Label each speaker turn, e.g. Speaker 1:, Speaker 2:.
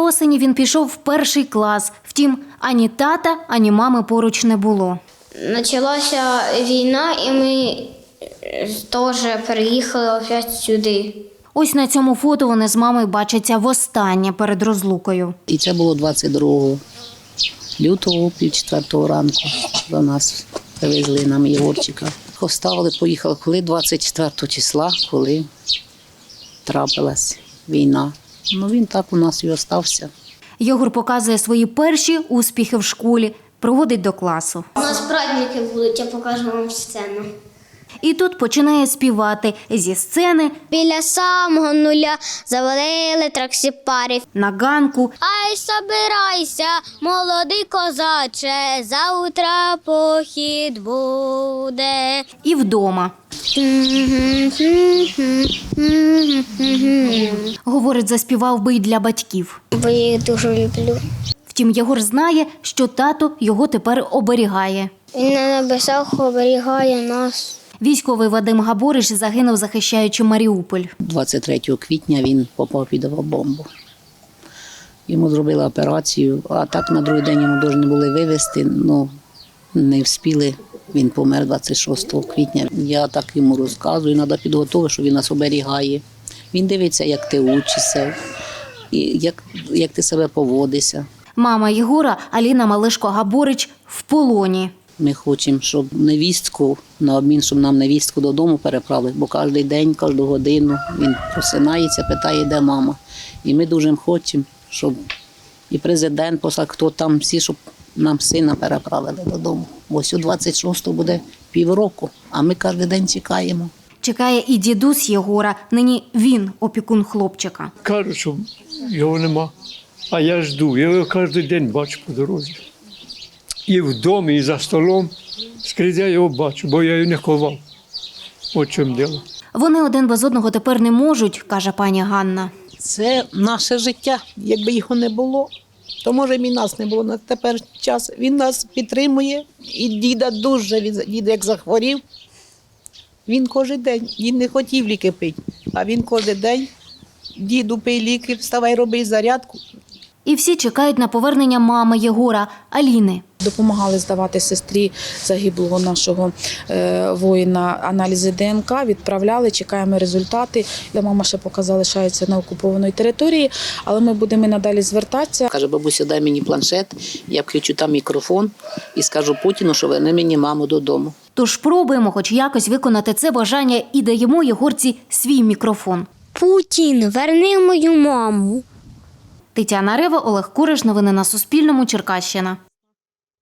Speaker 1: осені він пішов в 1 клас. Втім, ані тата, ані мами поруч не було.
Speaker 2: Почалася війна, і ми теж переїхали опять сюди.
Speaker 1: Ось на цьому фото вони з мамою бачаться востаннє перед розлукою.
Speaker 3: І це було 22 лютого, 3:30 ранку до нас привезли нам Єгорчика. Оставили, поїхали, коли 24 числа, коли трапилась війна. Ну він так у нас і остався.
Speaker 1: Єгор показує свої перші успіхи в школі, проводить до класу.
Speaker 2: У нас праздники будуть, я покажу вам сцену.
Speaker 1: І тут починає співати зі сцени,
Speaker 2: Біля самого нуля завалили траксіпарів.
Speaker 1: на ганку.
Speaker 2: Ай, собирайся, молодий козаче, завтра похід буде.
Speaker 1: І вдома. Говорить, заспівав би й для батьків.
Speaker 2: Бо я їх дуже люблю.
Speaker 1: Втім, Єгор знає, що тато його тепер оберігає.
Speaker 2: Він на небесах оберігає нас.
Speaker 1: Військовий Вадим Габориш загинув, захищаючи Маріуполь.
Speaker 3: 23 квітня він попав під авіабомбу. Йому зробили операцію, а так на другий день йому повинні були вивезти, але не встигли. Він помер 26 квітня. Я так йому розказую, треба підготувати, що він нас оберігає. Він дивиться, як ти учишся, і як ти себе поводишся.
Speaker 1: Мама Єгора, Аліна Малишко-Габорич, в полоні.
Speaker 3: Ми хочемо, щоб невістку, на обмін, щоб нам невістку додому переправили, бо кожен день, кожну годину він просинається, питає, де мама. І ми дуже хочемо, щоб і президент послав, хто там всі, щоб нам сина переправили додому. Бо ось у 26-го буде півроку, а ми кожен день чекаємо.
Speaker 1: Чекає і дідусь Єгора, нині він опікун хлопчика.
Speaker 4: Кажуть, що його нема, а я жду. Я його кожен день бачу по дорозі. І в домі, і за столом. Скрізь я його бачу, бо я його не ховав. От в чому діло.
Speaker 1: Вони один без одного тепер не можуть, каже пані Ганна.
Speaker 5: Це наше життя. Якби його не було, то може б і нас не було. На тепер час він нас підтримує. І діда дуже, дід як захворів, він кожен день, він не хотів ліки пити, а він кожен день, діду пий ліки, вставай, роби зарядку.
Speaker 1: І всі чекають на повернення мами Єгора, Аліни.
Speaker 6: Допомагали здавати сестрі загиблого нашого воїна аналізи ДНК, відправляли, чекаємо результати. Мама ще поки залишається на окупованій території, але ми будемо і надалі звертатися.
Speaker 3: Каже, бабуся, дай мені планшет, я включу там мікрофон і скажу Путіну, що верни мені маму додому.
Speaker 1: Тож пробуємо хоч якось виконати це бажання і даємо Єгорці свій мікрофон.
Speaker 2: Путін, верни мою маму.
Speaker 1: Тетяна Рева, Олег Куриш. Новини на Суспільному. Черкащина.